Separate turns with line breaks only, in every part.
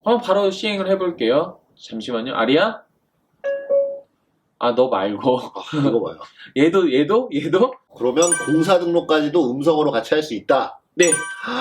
한번 바로 시행을 해볼게요. 잠시만요. 아리야? 아, 너 말고.
이거 봐요.
얘도?
그러면 공사 등록까지도 음성으로 같이 할 수 있다.
네.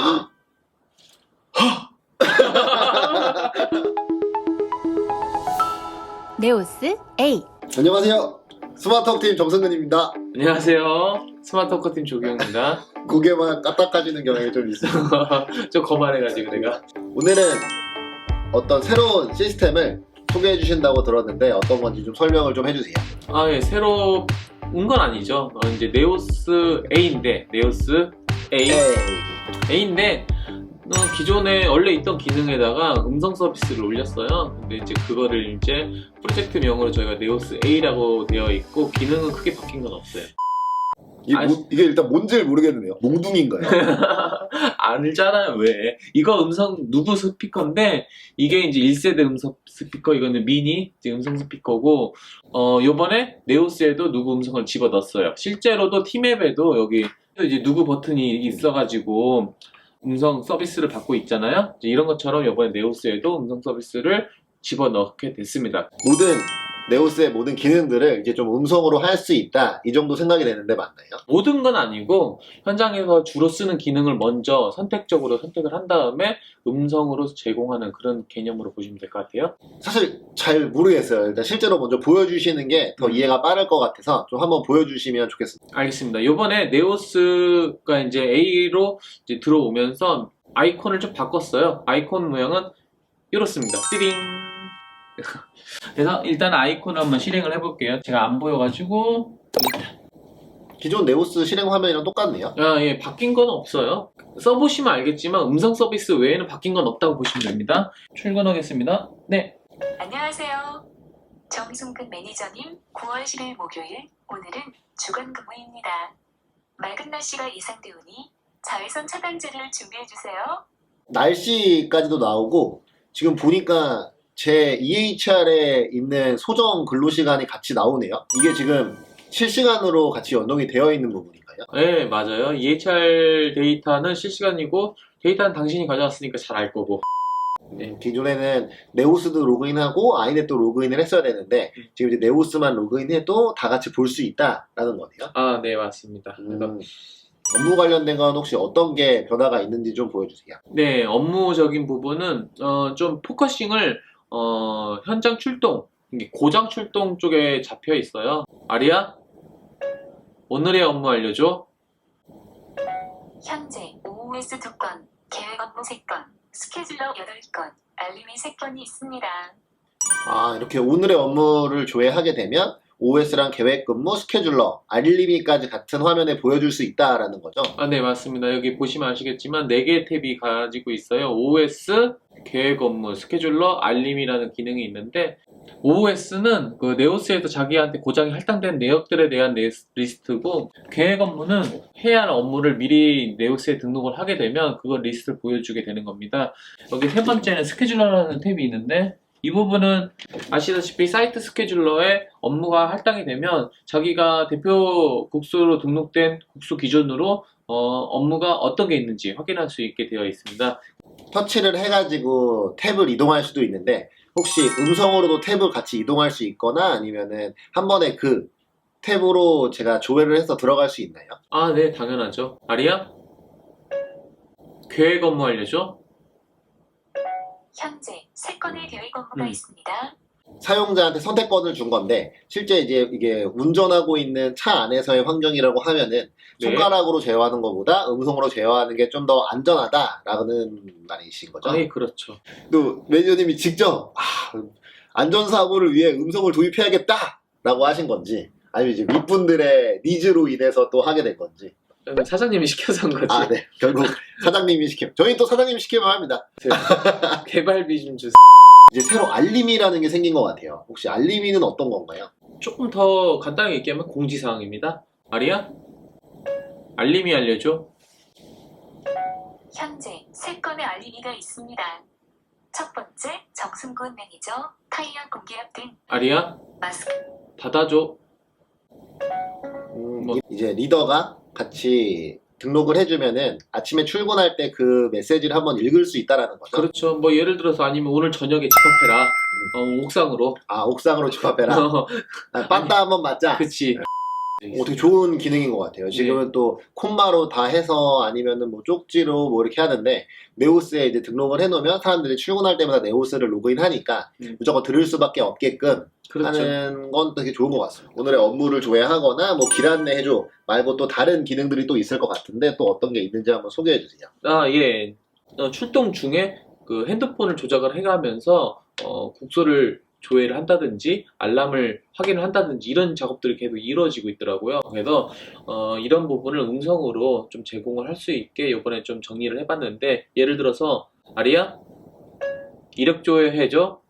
네오스 A.
안녕하세요. 스마트워크팀 정승근입니다.
안녕하세요. 스마트워커팀 조경입니다.
고개만 까딱해지는 경향이 좀 있어요.
좀 거만해가지고 내가.
오늘은 어떤 새로운 시스템을 소개해 주신다고 들었는데 어떤 건지 좀 설명을 좀 해주세요.
아, 예, 새로 온 건 아니죠. 이제 네오스 A인데, 네오스 A. A인데, 기존에 원래 있던 기능에다가 음성 서비스를 올렸어요. 근데 이제 그거를 이제 프로젝트명으로 저희가 네오스 A라고 되어 있고, 기능은 크게 바뀐 건 없어요.
이게 일단 뭔지를 모르겠는데요. 몽둥인가요?
알잖아요, 왜. 이거 음성 누구 스피커인데, 이게 이제 1세대 음성 스피커, 이거는 미니 이제 음성 스피커고, 요번에 네오스에도 누구 음성을 집어 넣었어요. 실제로도 티맵에도 여기 이제 누구 버튼이 있어가지고, 음성 서비스를 받고 있잖아요. 이제 이런 것처럼 이번에 네오스에도 음성 서비스를 집어 넣게 됐습니다.
네오스의 모든 기능들을 이제 좀 음성으로 할 수 있다. 이 정도 생각이 되는데 맞나요?
모든 건 아니고 현장에서 주로 쓰는 기능을 먼저 선택적으로 선택을 한 다음에 음성으로 제공하는 그런 개념으로 보시면 될 것 같아요.
사실 잘 모르겠어요. 일단 실제로 먼저 보여주시는 게 더 이해가 빠를 것 같아서 좀 한번 보여주시면 좋겠습니다.
알겠습니다. 이번에 네오스가 이제 A로 이제 들어오면서 아이콘을 좀 바꿨어요. 아이콘 모양은 이렇습니다. 띠링. 그래서 일단 아이콘을 한번 실행을 해볼게요. 제가 안 보여가지고.
기존 네오스 실행 화면이랑 똑같네요.
아, 예, 바뀐 건 없어요. 써보시면 알겠지만 음성 서비스 외에는 바뀐 건 없다고 보시면 됩니다. 출근하겠습니다. 네.
안녕하세요. 정승근 매니저님, 9월 10일 목요일, 오늘은 주간 근무입니다. 맑은 날씨가 예상되오니 자외선 차단제를 준비해주세요.
날씨까지도 나오고 지금 보니까 제 EHR에 있는 소정 근로시간이 같이 나오네요. 이게 지금 실시간으로 같이 연동이 되어 있는 부분인가요?
네, 맞아요. EHR 데이터는 실시간이고 데이터는 당신이 가져왔으니까 잘 알 거고. 네.
기존에는 네오스도 로그인하고 아이넷도 로그인을 했어야 되는데 지금 이제 네오스만 로그인해도 다 같이 볼 수 있다라는 거네요.
아, 네, 맞습니다. 그래서
업무 관련된 건 혹시 어떤 게 변화가 있는지 좀 보여주세요.
네, 업무적인 부분은 좀 포커싱을 현장 출동, 이게 고장 출동 쪽에 잡혀 있어요. 아리야, 오늘의 업무 알려줘.
현재 OOS 2건, 계획 업무 3건, 스케줄러 8건, 알림이 3건이 있습니다.
이렇게 오늘의 업무를 조회하게 되면 OS랑 계획 근무, 스케줄러, 알림이까지 같은 화면에 보여줄 수 있다라는 거죠.
아, 네, 맞습니다. 여기 보시면 아시겠지만 4개의 탭이 가지고 있어요. OS, 계획 업무, 스케줄러, 알림이라는 기능이 있는데 OS는 그 네오스에서 자기한테 고장이 할당된 내역들에 대한 리스트고, 계획 업무는 해야 할 업무를 미리 네오스에 등록을 하게 되면 그걸 리스트를 보여주게 되는 겁니다. 여기 세 번째는 스케줄러라는 탭이 있는데, 이 부분은 아시다시피 사이트 스케줄러에 업무가 할당이 되면 자기가 대표 국수로 등록된 국수 기준으로 업무가 어떤 게 있는지 확인할 수 있게 되어 있습니다.
터치를 해가지고 탭을 이동할 수도 있는데 혹시 음성으로도 탭을 같이 이동할 수 있거나 아니면은 한 번에 그 탭으로 제가 조회를 해서 들어갈 수 있나요?
아, 네, 당연하죠. 아리야? 계획 업무 알려줘.
현재 3건의 계획 업무가 있습니다.
사용자한테 선택권을 준 건데 실제 이제 이게 운전하고 있는 차 안에서의 환경이라고 하면은
네.
손가락으로 제어하는 것보다 음성으로 제어하는 게 좀 더 안전하다라는 말이신 거죠?
네, 그렇죠.
또 매니저님이 직접 안전사고를 위해 음성을 도입해야겠다라고 하신 건지 아니면 이제 윗분들의 니즈로 인해서 또 하게 된 건지.
사장님이 시켜서 한 거지.
네. 결국 사장님이 시키면 저희 또 사장님이 시키면 합니다.
개발비 좀 주세요.
이제 새로 알림이라는 게 생긴 것 같아요. 혹시 알림이는 어떤 건가요?
조금 더 간단하게 얘기하면 공지사항입니다. 아리야? 알림이 알려줘.
현재 3건의 알림이가 있습니다. 첫 번째, 정승근 매니저, 타이어 공기압 등
아리야?
마스크.
닫아줘.
이제 리더가 같이 등록을 해주면은 아침에 출근할 때 그 메시지를 한번 읽을 수 있다라는 거죠.
그렇죠. 뭐 예를 들어서 아니면 오늘 저녁에 집합해라. 옥상으로.
아, 옥상으로 집합해라. 아, 빠따 한번 맞자.
그치.
되게 좋은 기능인 것 같아요. 지금은 또 콤마로 다 해서 아니면은 뭐 쪽지로 뭐 이렇게 하는데 네오스에 이제 등록을 해놓으면 사람들이 출근할 때마다 네오스를 로그인하니까 무조건 들을 수밖에 없게끔
그렇죠.
하는 건 되게 좋은 것 같습니다. 오늘의 업무를 조회하거나 뭐 길 안내해줘 말고 또 다른 기능들이 또 있을 것 같은데 또 어떤 게 있는지 한번 소개해 주세요.
예. 출동 중에 그 핸드폰을 조작을 해가면서 국소를 조회를 한다든지 알람을 확인을 한다든지 이런 작업들이 계속 이루어지고 있더라고요. 그래서 이런 부분을 음성으로 좀 제공을 할 수 있게 이번에 좀 정리를 해봤는데 예를 들어서 아리야 이력 조회해줘.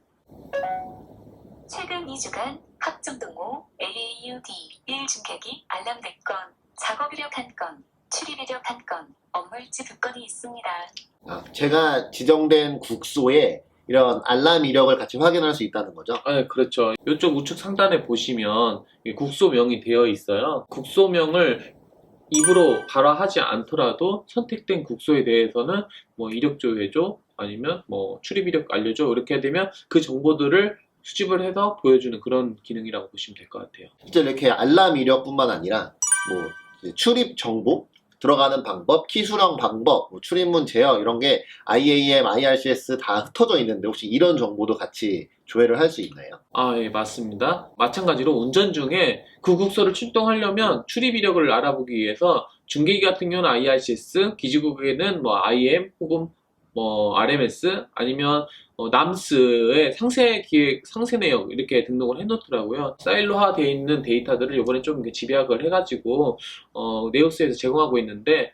최근 2주간 합정동호 AAUD 1중계기 알람 4건, 작업 이력 1건, 출입 이력 1건, 업무일지 2건이 있습니다.
제가 지정된 국소에 이런 알람 이력을 같이 확인할 수 있다는 거죠.
네, 그렇죠. 이쪽 우측 상단에 보시면 국소명이 되어 있어요. 국소명을 입으로 발화하지 않더라도 선택된 국소에 대해서는 뭐 이력 조회줘 아니면 뭐 출입 이력 알려줘 이렇게 되면 그 정보들을 수집을 해서 보여주는 그런 기능이라고 보시면 될 것 같아요.
실제 이렇게 알람 이력뿐만 아니라 뭐 이제 출입 정보 들어가는 방법, 키 수령 방법, 뭐 출입문 제어 이런 게 IAM, IRCS 다 흩어져 있는데 혹시 이런 정보도 같이 조회를 할 수 있나요?
예, 맞습니다. 마찬가지로 운전 중에 그 국소를 출동하려면 출입 이력을 알아보기 위해서 중계기 같은 경우는 IRCS, 기지국에는 뭐 IM 혹은 뭐 RMS 아니면 남스의 상세 기획, 상세 내역 이렇게 등록을 해놓더라고요. 사일로화 되어 있는 데이터들을 이번에 좀 이렇게 집약을 해가지고 네오스에서 제공하고 있는데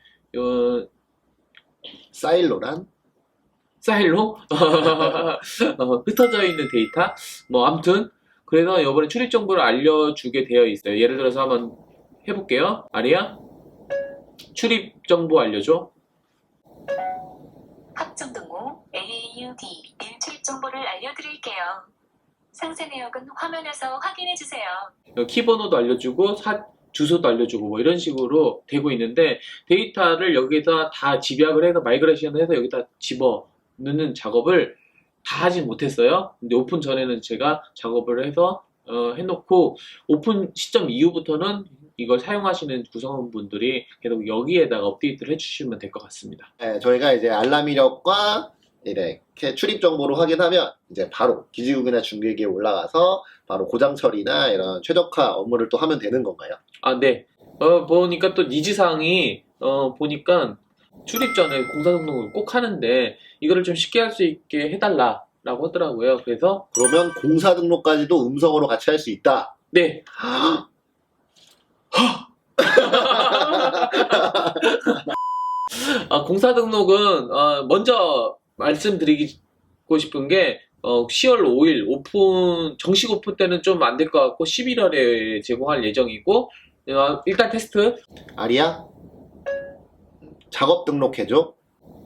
사일로란?
사일로 흩어져 있는 데이터 뭐 아무튼 그래서 이번에 출입 정보를 알려주게 되어 있어요. 예를 들어서 한번 해볼게요. 아리야 출입 정보 알려줘.
합정동호 AAUD 1 출입 정보를 알려드릴게요. 상세 내역은 화면에서 확인해주세요.
키번호도 알려주고 주소도 알려주고 뭐 이런 식으로 되고 있는데 데이터를 여기다 다 집약을 해서 마이그레이션을 해서 여기다 집어 넣는 작업을 다 하진 못했어요. 근데 오픈 전에는 제가 작업을 해서 해놓고 오픈 시점 이후부터는 이걸 사용하시는 구성원분들이 계속 여기에다가 업데이트를 해주시면 될 것 같습니다.
네, 저희가 이제 알람 이력과 이렇게 출입 정보를 확인하면 이제 바로 기지국이나 중계기에 올라가서 바로 고장 처리나 이런 최적화 업무를 또 하면 되는 건가요?
네. 보니까 또 니즈사항이 보니까 출입 전에 공사 등록을 꼭 하는데 이거를 좀 쉽게 할 수 있게 해달라라고 하더라고요. 그래서
그러면 공사 등록까지도 음성으로 같이 할 수 있다.
네. 공사 등록은 먼저 말씀드리고 싶은 게 10월 5일 오픈 정식 오픈 때는 좀 안 될 것 같고 11월에 제공할 예정이고 일단 테스트.
아리야? 작업 등록해줘.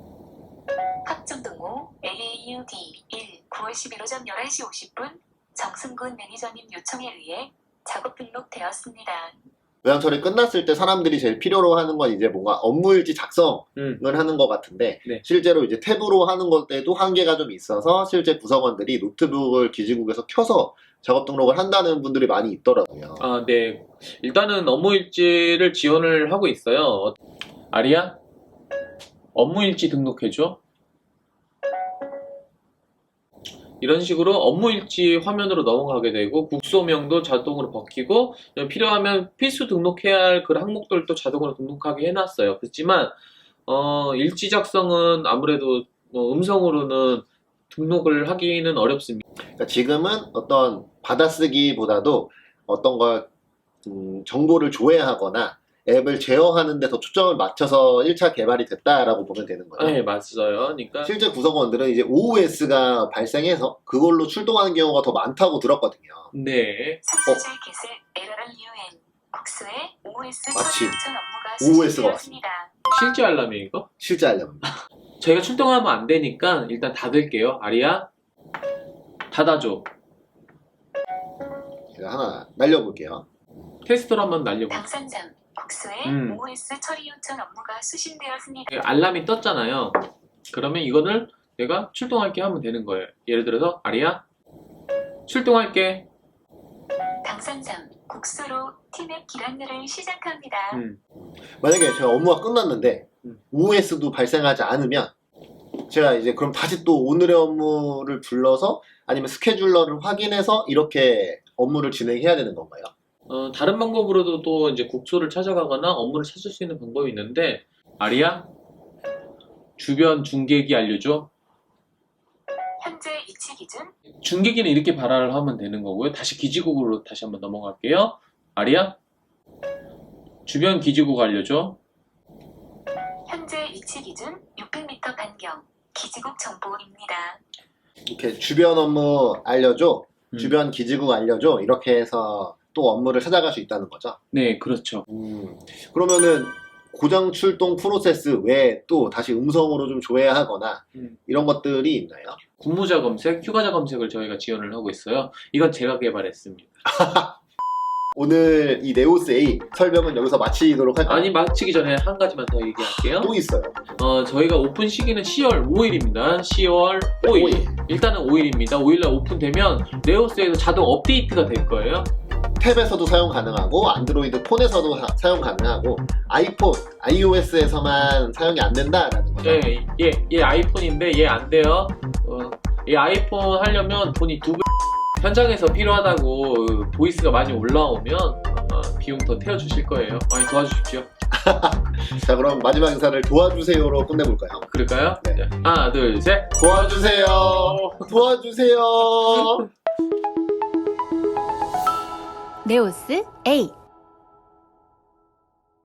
합정동호 AAUD 1 9월 11일 오전 11시 50분 정승군 매니저님 요청에 의해 작업 등록되었습니다.
고장 처리 끝났을 때 사람들이 제일 필요로 하는 건 이제 뭔가 업무일지 작성을 하는 것 같은데
네.
실제로 이제 탭으로 하는 것 때도 한계가 좀 있어서 실제 구성원들이 노트북을 기지국에서 켜서 작업 등록을 한다는 분들이 많이 있더라고요.
네. 일단은 업무일지를 지원을 하고 있어요. 아리야? 업무일지 등록해줘. 이런 식으로 업무일지 화면으로 넘어가게 되고 국소명도 자동으로 바뀌고 필요하면 필수 등록해야 할 그 항목들도 자동으로 등록하게 해놨어요. 그렇지만 일지 작성은 아무래도 음성으로는 등록을 하기는 어렵습니다.
그러니까 지금은 어떤 받아쓰기보다도 어떤 걸 정보를 조회하거나 앱을 제어하는 데 더 초점을 맞춰서 1차 개발이 됐다라고 보면 되는 거예요.
네, 맞아요. 그러니까
실제 구성원들은 이제 OS가 발생해서 그걸로 출동하는 경우가 더 많다고 들었거든요.
네.
상수주의 겟을 LRUN 국수의 OS
마침
처리 요청 업무가
OS가
실시되었습니다.
실제 알람이 이거?
실제 알람입니다.
저희가 출동하면 안 되니까 일단 닫을게요. 아리야, 닫아줘.
제가 하나 날려볼게요.
테스트로 한번 날려볼게요.
당산장 국수의
음.
OS 처리 요청 업무가 수신되었습니다.
알람이 떴잖아요. 그러면 이거를 내가 출동할게 하면 되는 거예요. 예를 들어서 아리야 출동할게.
당선상 국수로 팀앱 기란느를 시작합니다.
만약에 제가 업무가 끝났는데 OS도 발생하지 않으면 제가 이제 그럼 다시 또 오늘의 업무를 불러서 아니면 스케줄러를 확인해서 이렇게 업무를 진행해야 되는 건가요?
다른 방법으로도 또 이제 국소를 찾아가거나 업무를 찾을 수 있는 방법이 있는데 아리야 주변 중계기 알려줘.
현재 위치 기준
중계기는 이렇게 발화를 하면 되는 거고요. 다시 기지국으로 다시 한번 넘어갈게요. 아리야 주변 기지국 알려줘.
현재 위치 기준 600m 반경 기지국 정보입니다.
이렇게 주변 업무 알려줘,
음.
주변 기지국 알려줘 이렇게 해서 또 업무를 찾아갈 수 있다는 거죠.
네, 그렇죠.
그러면은 고장 출동 프로세스 외에 또 다시 음성으로 좀 조회하거나 이런 것들이 있나요?
근무자 검색, 휴가자 검색을 저희가 지원을 하고 있어요. 이건 제가 개발했습니다.
오늘 이 네오스 A 설명은 여기서 마치도록 할까요?
아니, 마치기 전에 한 가지만 더 얘기할게요.
또 있어요.
저희가 오픈 시기는 10월 5일입니다. 10월 5일. 일단은 5일입니다. 5일날 오픈되면 네오스에서 자동 업데이트가 될 거예요.
탭에서도 사용 가능하고 안드로이드 폰에서도 사용 가능하고 아이폰, iOS에서만 사용이 안 된다라는 거죠.
얘 아이폰인데 얘 안 돼요. 얘 아이폰 하려면 돈이 2배. 현장에서 필요하다고 보이스가 많이 올라오면 비용 더 태워주실 거예요. 많이 도와주십시오.
자, 그럼 마지막 인사를 도와주세요로 끝내볼까요?
그럴까요?
네.
하나, 둘, 셋.
도와주세요. 도와주세요.
네오스 A